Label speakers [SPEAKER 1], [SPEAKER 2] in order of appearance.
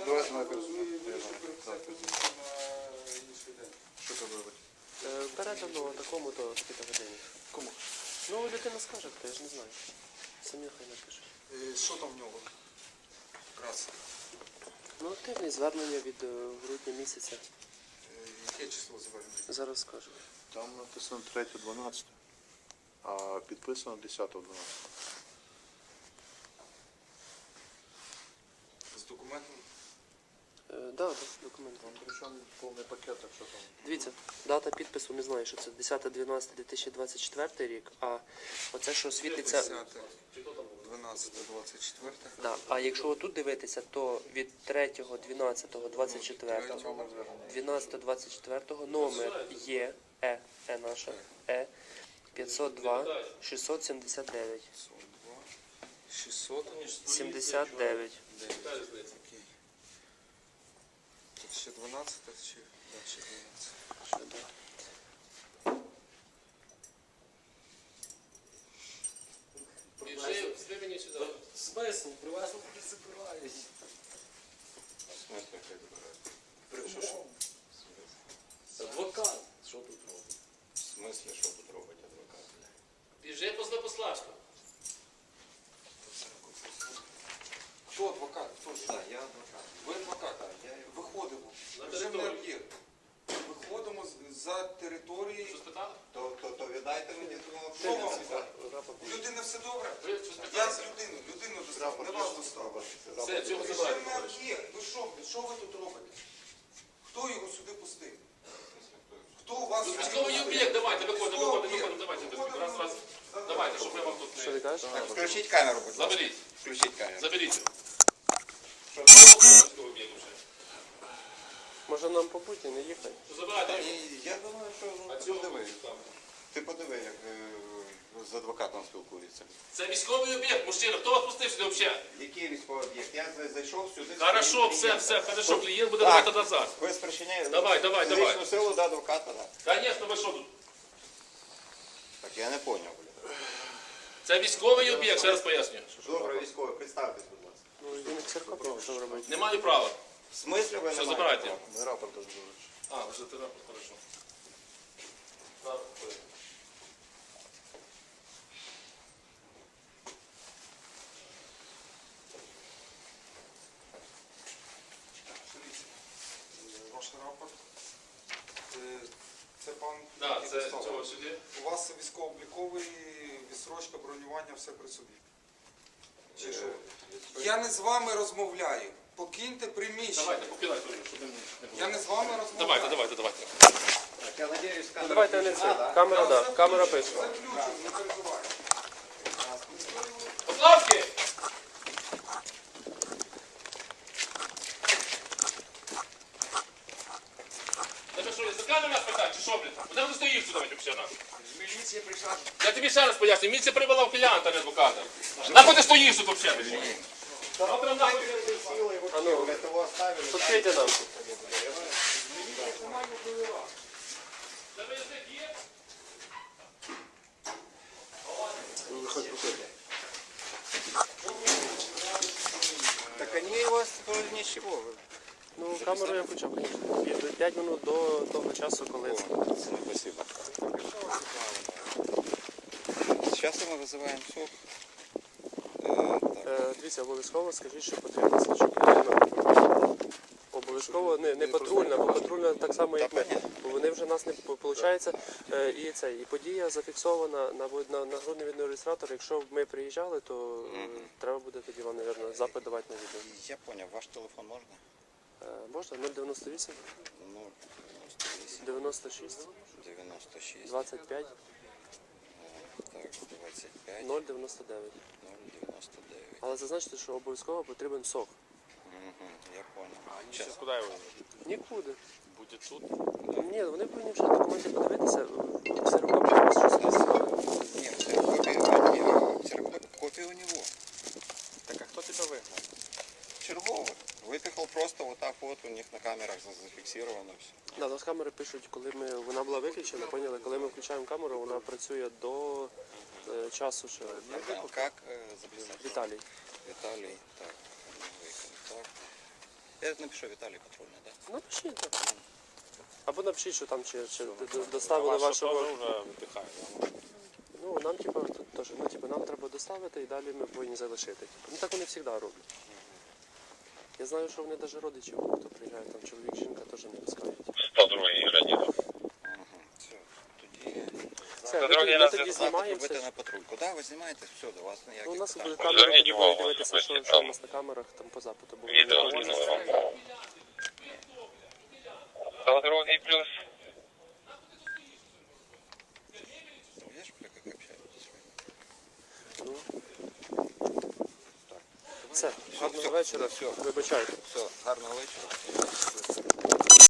[SPEAKER 1] Давайте на що це робити?
[SPEAKER 2] Передано такому-то годині.
[SPEAKER 1] Кому?
[SPEAKER 2] Ну, людина скаже, хто, я ж не знаю. Самі хай напишуть.
[SPEAKER 1] Що там в нього? Раз.
[SPEAKER 2] Ну, активне звернення від грудня місяця.
[SPEAKER 1] Яке число звернення?
[SPEAKER 2] Зараз скажу.
[SPEAKER 3] Там написано 3.12, а підписано 10.12.
[SPEAKER 1] З документом?
[SPEAKER 2] Так, документ.
[SPEAKER 3] Там причому повний пакет, так що там.
[SPEAKER 2] Дивіться, дата підпису не знаю, що це 10.12.2024 рік, а оце, що світиться...
[SPEAKER 1] 12.24.
[SPEAKER 2] Да. А якщо отут дивитися, то від 3.12.24, 12.24 номер є, наша, 502 679. 679.
[SPEAKER 1] Окей. Тут ще 12 чи? Да, ще 12.
[SPEAKER 4] Смисл, при вас не забирають.
[SPEAKER 1] Смисл, як забирають? Що?
[SPEAKER 4] Адвокат. Що тут робить?
[SPEAKER 1] В смислі, що тут робить адвокат?
[SPEAKER 4] Біжи по Злопославську.
[SPEAKER 1] Хто адвокат? Хто ж?
[SPEAKER 5] Так, я адвокат.
[SPEAKER 1] Ви адвокат?
[SPEAKER 5] Так, я
[SPEAKER 1] Виходимо.
[SPEAKER 4] На
[SPEAKER 1] Режимний
[SPEAKER 4] територію.
[SPEAKER 1] об'єкт. Виходимо за території.
[SPEAKER 4] Що спитали?
[SPEAKER 5] то віддайте мені того.
[SPEAKER 1] Що вам? У людини все добре?
[SPEAKER 4] Ви що
[SPEAKER 1] Я
[SPEAKER 4] спитали?
[SPEAKER 1] з людину достав, не вас достав.
[SPEAKER 4] Все, цього
[SPEAKER 1] Режимний
[SPEAKER 4] забирайте.
[SPEAKER 1] об'єкт. Ви що ви тут робите? Хто його сюди пустив? Хто у вас сюди
[SPEAKER 4] Військовий
[SPEAKER 1] пустив?
[SPEAKER 4] об'єкт, давайте, виходимо,
[SPEAKER 1] Військовий
[SPEAKER 4] давайте.
[SPEAKER 1] об'єкт.
[SPEAKER 4] Раз. Давайте, щоб я вам тут
[SPEAKER 2] Що ти
[SPEAKER 4] не...
[SPEAKER 2] кажеш?
[SPEAKER 5] Так, включіть камеру, будь ласка.
[SPEAKER 4] Заберіть,
[SPEAKER 5] Включіть камеру.
[SPEAKER 4] заберіть.
[SPEAKER 5] Що
[SPEAKER 4] Військовий об'єкт вже.
[SPEAKER 2] Може нам по путі не їхати?
[SPEAKER 4] Що забирайте його?
[SPEAKER 5] Я думаю, що
[SPEAKER 4] А
[SPEAKER 5] ти
[SPEAKER 4] цього
[SPEAKER 5] подиви.
[SPEAKER 4] там.
[SPEAKER 5] Ти подиви, як з адвокатом спілкується.
[SPEAKER 4] Це військовий об'єкт, мужчина. Хто вас пустив сюди взагалі?
[SPEAKER 5] Який військовий об'єкт? Я зайшов сюди.
[SPEAKER 4] Хорошо, все, хорошо. Клієнт буде давати назад.
[SPEAKER 5] Ви спричиняєте
[SPEAKER 4] Давай.
[SPEAKER 5] фізичну силу до адвоката, так?
[SPEAKER 4] Звісно, ви що тут?
[SPEAKER 5] Так, я не поняв, блядь.
[SPEAKER 4] Це військовий об'єкт, ще раз пояснюю.
[SPEAKER 5] Добре, військовий, представтесь, будь ласка.
[SPEAKER 2] Ну, він ксерокопію, що робити?
[SPEAKER 4] Не маю права.
[SPEAKER 5] В смислі ви не
[SPEAKER 4] Все,
[SPEAKER 5] маєте
[SPEAKER 4] забирайте.
[SPEAKER 5] права?
[SPEAKER 3] Ми рапорт теж будуть.
[SPEAKER 4] А, вже ти рапорт, хорошо.
[SPEAKER 1] Ваш рапорт. Це пан,
[SPEAKER 4] Так,
[SPEAKER 1] який
[SPEAKER 4] це
[SPEAKER 1] достав.
[SPEAKER 4] цього сюди.
[SPEAKER 1] У вас військово-обліковий, відсрочка, бронювання, все при собі. Чи що? Я не з вами розмовляю. Покиньте приміщення.
[SPEAKER 4] Давайте, попілайте, щоб він не було.
[SPEAKER 1] Я не з вами розмовляю.
[SPEAKER 4] Давайте.
[SPEAKER 5] Так, я надіюсь, камера
[SPEAKER 2] Ну, давайте не
[SPEAKER 5] включена,
[SPEAKER 2] це.
[SPEAKER 5] да?
[SPEAKER 2] Камера,
[SPEAKER 1] Я
[SPEAKER 2] да.
[SPEAKER 1] заключу,
[SPEAKER 2] Камера пише.
[SPEAKER 1] Заключу, не переживайте.
[SPEAKER 4] Поплавки! Тебе що, язика на нас питати, чи що, блін? Куди ти стоїш сюди, взагалі, нахуй?
[SPEAKER 5] Міліція прийшла.
[SPEAKER 4] Я тобі ще раз поясню, міліція привела ухилянта, а не адвоката. Нахуй ти стоїш тут, взагалі, блін? Завтра нахуй.
[SPEAKER 2] А ну,
[SPEAKER 5] Для того оставили.
[SPEAKER 2] відкрийте нам.
[SPEAKER 4] Тебе язик є?
[SPEAKER 5] Так они у вас тоже ничего.
[SPEAKER 2] Ну, камеру я включав, звісно. 5 минут до того часу, коли це.
[SPEAKER 5] Спасибо. Сейчас мы вызываем СОП.
[SPEAKER 2] Дивіться, обов'язково скажіть, що потрібно слідчу людину. Обов'язково не патрульна, бо патрульна так само, як ми. Бо вони вже нас не виходить. І подія зафіксована на грудний відеореєстратор. Якщо б ми приїжджали, то треба буде тоді вам, мабуть, запит давати на відео.
[SPEAKER 5] Я понял, ваш телефон можно?
[SPEAKER 2] Можна? 098
[SPEAKER 5] Ну,
[SPEAKER 2] 96
[SPEAKER 5] 96,
[SPEAKER 2] 25
[SPEAKER 5] так, 25,
[SPEAKER 2] 099.
[SPEAKER 5] 099.
[SPEAKER 2] Але зазначте, що обов'язково потрібен сок.
[SPEAKER 5] Я понял.
[SPEAKER 4] Сейчас куди його?
[SPEAKER 2] Нікуди.
[SPEAKER 4] Буде тут.
[SPEAKER 2] Ні, вони повинні вже документи подивитися. Ксерокопія у вас щось сказали.
[SPEAKER 5] Нет, копия у него.
[SPEAKER 4] Так, а хто тебе вигнав?
[SPEAKER 5] Черговый. Выпихал просто вот так вот, у них на камерах зафиксировано все.
[SPEAKER 2] Да, з камери пишуть, коли вона була виключена, поняли, коли ми включаємо камеру, вона працює до часу, що
[SPEAKER 5] Как записать?
[SPEAKER 2] Віталій.
[SPEAKER 5] Виталий, так, новый контакт. Я напишу Віталій Патрульний, так?
[SPEAKER 2] Напишіть, так. Або напишіть, що там чи доставили вашого.
[SPEAKER 4] вже вдихає.
[SPEAKER 2] Ну, нам типу, тут теж, ну, типу, нам треба доставити і далі ми повинні залишити. Типу. Ну так вони завжди роблять. Я знаю, що вони навіть родичів, хто приїжджає, там чоловік, жінка теж не пускають.
[SPEAKER 4] 102 Леонідов.
[SPEAKER 5] Все, тоді...
[SPEAKER 2] Все,
[SPEAKER 4] Дорогі
[SPEAKER 2] ми
[SPEAKER 4] нас
[SPEAKER 2] тоді
[SPEAKER 5] Запит
[SPEAKER 2] знімаємо
[SPEAKER 5] робити
[SPEAKER 2] все.
[SPEAKER 5] на патрульку. Так, ви знімаєте, все, до вас
[SPEAKER 2] Ну, у
[SPEAKER 5] ніяких
[SPEAKER 2] нас
[SPEAKER 5] питань.
[SPEAKER 2] буде камера,
[SPEAKER 4] Зверніть
[SPEAKER 2] тоді
[SPEAKER 4] увагу,
[SPEAKER 2] будемо дивитися, що
[SPEAKER 4] там
[SPEAKER 2] у нас на камерах там по запиту було.
[SPEAKER 4] Відео скинули вам. 102 плюс.
[SPEAKER 5] Видишь, как общаетесь?
[SPEAKER 2] Все, гарного вечора,
[SPEAKER 5] Все,
[SPEAKER 2] вибачайте.
[SPEAKER 5] все, гарного вечора.